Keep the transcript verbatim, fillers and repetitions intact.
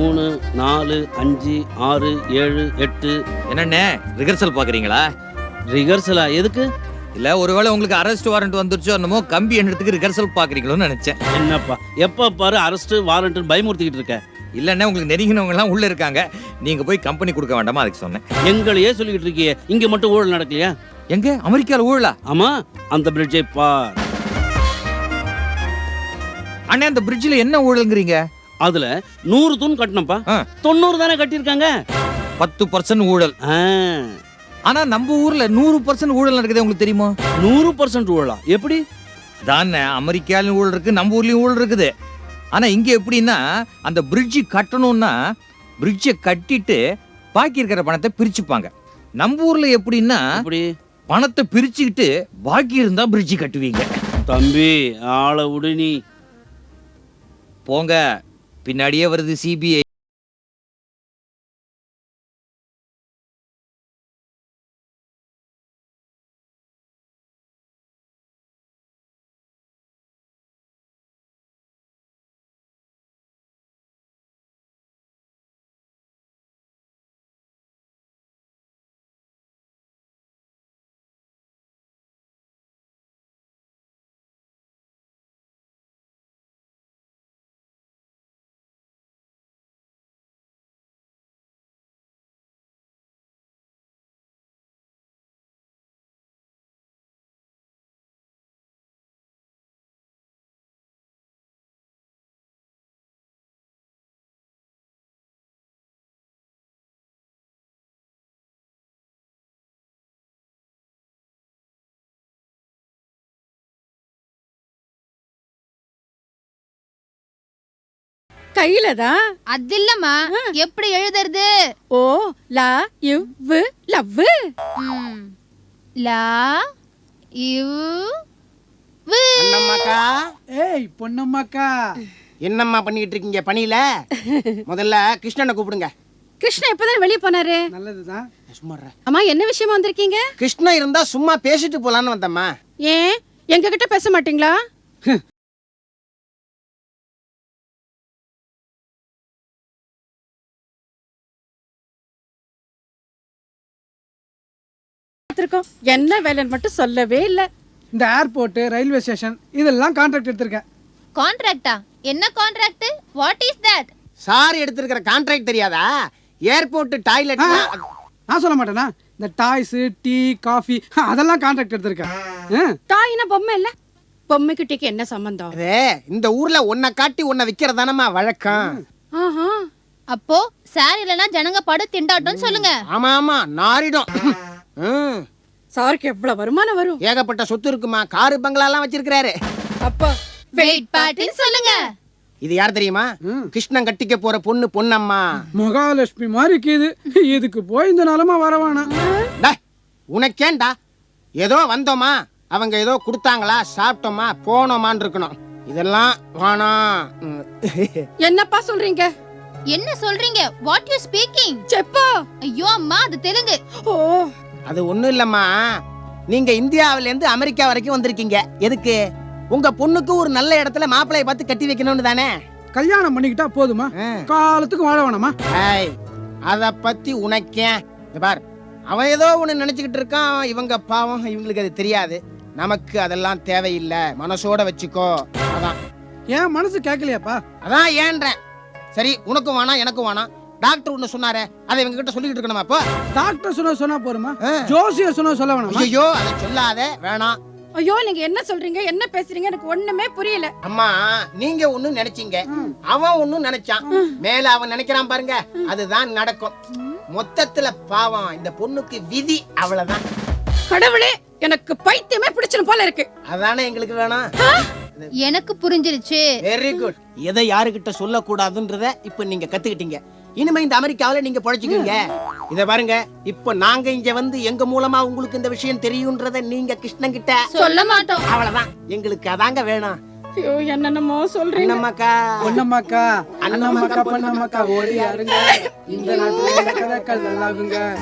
மூணு நாலு அஞ்சு ஆறு ஏழு எட்டு. என்னண்ணே ரிஹர்சல் பாக்குறீங்களா? ரிஹர்சலா? எதுக்கு? இல்ல ஒருவேளை உங்களுக்கு அரெஸ்ட் வாரண்ட் வந்துருச்சோ என்னமோ கம்பி எண்ணத்துக்கு ரிஹர்சல் பாக்குறீங்களோன்னு நினைச்சேன். என்னப்பா எப்ப பாரு அரெஸ்ட் வாரண்ட் பயமுறுத்திக்கிட்டு இருக்க? இல்லண்ணே உங்களுக்கு நெருங்கினவங்க எல்லாம் உள்ள இருக்காங்க, நீங்க போய் கம்பெனி கொடுக்க வேண்டாமா அதுக்கு சொன்னேன். எங்களையே சொல்லிக்கிட்டு இருக்கியே, இங்க மட்டும் ஊழல் நடக்கலையா? எங்க அமெரிக்கால ஊழலா? ஆமா, அந்த பிரிட்ஜை பார். அண்ணே அந்த பிரிட்ஜ்ல என்ன ஊழல்ங்கிறீங்க? அதுல நூறு தூண் கட்டணும்ப்பா, தொண்ணூறு தானே கட்டியிருக்காங்க. பத்து பர்சன்ட் ஊழல். ஆனா நம்ம ஊர்ல நூறு பர்சன்ட் ஊழல் நடக்குது, உங்களுக்கு தெரியுமா? நூறு பர்சன்ட் ஊழலா? எப்படி? தானே அமெரிக்காலும் ஊழல் இருக்கு, நம்ம ஊர்லயும் ஊழல் இருக்குது. ஆனா இங்க எப்படின்னா அந்த பிரிட்ஜ் கட்டணும்னா பிரிட்ஜை கட்டிட்டு பாக்கி இருக்கிற பணத்தை பிரிச்சுப்பாங்க. நம்ம ஊர்ல எப்படின்னா பணத்தை பிரிச்சுக்கிட்டு பாக்கி இருந்தா பிரிட்ஜ் கட்டுவீங்க. தம்பி ஆளை விடு, நீ போங்க, பின்னாடியே வருது சிபிஐ. கையில தான். அது இல்லம்மா, எப்படி எழுதுறது? ஓ லா இவ் லவ். லா இவ் அண்ணம்மாக்கா. ஏய் பொன்னம்மாக்கா, என்னம்மா பண்ணிட்டு இருக்கீங்க பணியில? முதல்ல கிருஷ்ணனை கூப்பிடுங்க. கிருஷ்ணா இப்பதான் வெளியே போனாரு. நல்லதுதான். சும்மா அம்மா என்ன விஷயமா வந்திருக்கீங்க? கிருஷ்ணன் இருந்தா சும்மா பேசிட்டு போலான்னு வந்தம்மா. ஏன் எங்க கிட்ட பேச மாட்டீங்களா? என்ன வேலைன்னு மட்டும் சொல்லவே இல்ல. இந்த ஏர்போர்ட், ரயில்வே ஸ்டேஷன் இதெல்லாம் கான்ட்ராக்ட் எடுத்திருக்கேன். கான்ட்ராக்டா? என்ன contract? What is that? Sir எடுத்திருக்கிற கான்ட்ராக்ட் தெரியாதா? Airport toilet. நான் சொல்ல மாட்டேனா? இந்த டாய்ஸ், டீ, காஃபி அதெல்லாம் கான்ட்ராக்ட் எடுத்திருக்கேன். டாய்னா பொம்மை இல்ல, பொம்மை கிட்டக்கு என்ன சம்பந்தம்? இந்த ஊர்ல ஒன்ன காட்டி ஒன்ன விக்கிறதானமா வழக்கம். அப்போ சார் இல்லனா ஜனங்க படு திண்டாட்டம்னு சொல்லுங்க. ஆமா ஆமா, நாரிடும். சாருக்கு எவ்வளவு வருமானம் வரும்? ஏகப்பட்ட சொத்து இருக்குமா, காரு பங்களா எல்லாம் வச்சிருக்காரு. அப்பா வெயிட் பார்ட்டின்னு சொல்லுங்க. இது யார் தெரியுமா? கிருஷ்ணன் கட்டிக்க போற பொண்ணு பொன்னம்மா. மகாலட்சுமி மாதிரி இருக்குது. இதுக்கு போய் இந்த நிலமா வரவானா? உனக்கேண்டா? ஏதோ வந்தோமா, அவங்க ஏதோ கொடுத்தாங்களா, சாப்பிட்டோமா, போனோமான்னு இருக்கணும். இதெல்லாம் வேணாம். என்னப்பா சொல்றீங்க? என்ன சொல்றீங்க? What you speaking? செப்பா. ஐயோ அம்மா, அது தெலுங்கு. ஓ அது ஒண்ணும் இல்லம்மா, நீங்க இந்தியாவில இருந்து அமெரிக்கா வரைக்கும் வந்திருக்கீங்க. எதுக்கு? உங்க பொண்ணுக்கு ஒரு நல்ல இடத்துல மாப்பிளைய பார்த்து கட்டி வைக்கணும்னு தானே? கல்யாணம் பண்ணிக்கிட்டா போதுமா? காலத்துக்கு வாழ வேணாமா? அத பத்தி உனக்கே பார், அவன் ஏதோ ஒண்ணு நினைச்சுக்கிட்டு இருக்கான். இவங்க பாவம், இவங்களுக்கு அது தெரியாது. நமக்கு அதெல்லாம் தேவையில்லை, மனசோட வச்சுக்கோ. அதான். ஏன் மனசு கேட்கலையாப்பா? அதான் ஏன்றேன். சரி, உனக்கும் வேணாம் எனக்கும் வேணாம். டாக்டர் ஒண்ணு சொன்னாரு, அதை இவங்க கிட்ட சொல்லிட்டு இருக்கணுமா? அப்போ டாக்டர் சொன்னா சொன்னா போருமா? ஜோசியர் சொன்னா சொல்ல வேணாமா? ஐயோ அதை சொல்லாத, வேணாம். ஐயோ நீங்க என்ன சொல்றீங்க, என்ன பேசுறீங்க, எனக்கு ஒண்ணுமே புரியல. அம்மா, நீங்க ஒண்ணு நினைச்சீங்க, அவன் ஒண்ணு நினைச்சான். மேல அவன் நினைக்கிறான் பாருங்க, அதுதான் நடக்கும். மொத்தத்துல பாவம் இந்த பொண்ணுக்கு விதி, அவ்வளவுதான். கடவுளே, எனக்கு பைத்தியமே பிடிச்சிரும் போல இருக்கு. அதானே எங்களுக்கு வேணாம். எனக்கு புரிஞ்சிருச்சு. Very good. எதை யாருகிட்ட சொல்லக்கூடாதுன்றத இப்ப நீங்க கத்துக்கிட்டீங்க. இனிமே இந்த அமெரிக்காவில நீங்க பொழைச்சிக்கீங்க. இத பாருங்க, இப்ப நாங்க இங்க வந்து எங்க மூலமா உங்களுக்கு இந்த விஷயம் தெரியும்ன்றத நீங்க கிருஷ்ணன் கிட்ட சொல்ல மாட்டோம். அவ்வளவுதான், எங்களுக்கு அதாங்க வேணும். ஐயோ என்னென்னமோ சொல்றீங்க. அண்ணம்மாக்கா, பொன்னம்மாக்கா, அண்ணம்மாக்கா, பொன்னம்மாக்கா ஓடி யாருங்க, இந்த நாட்டுல கதை நல்லாகுங்க.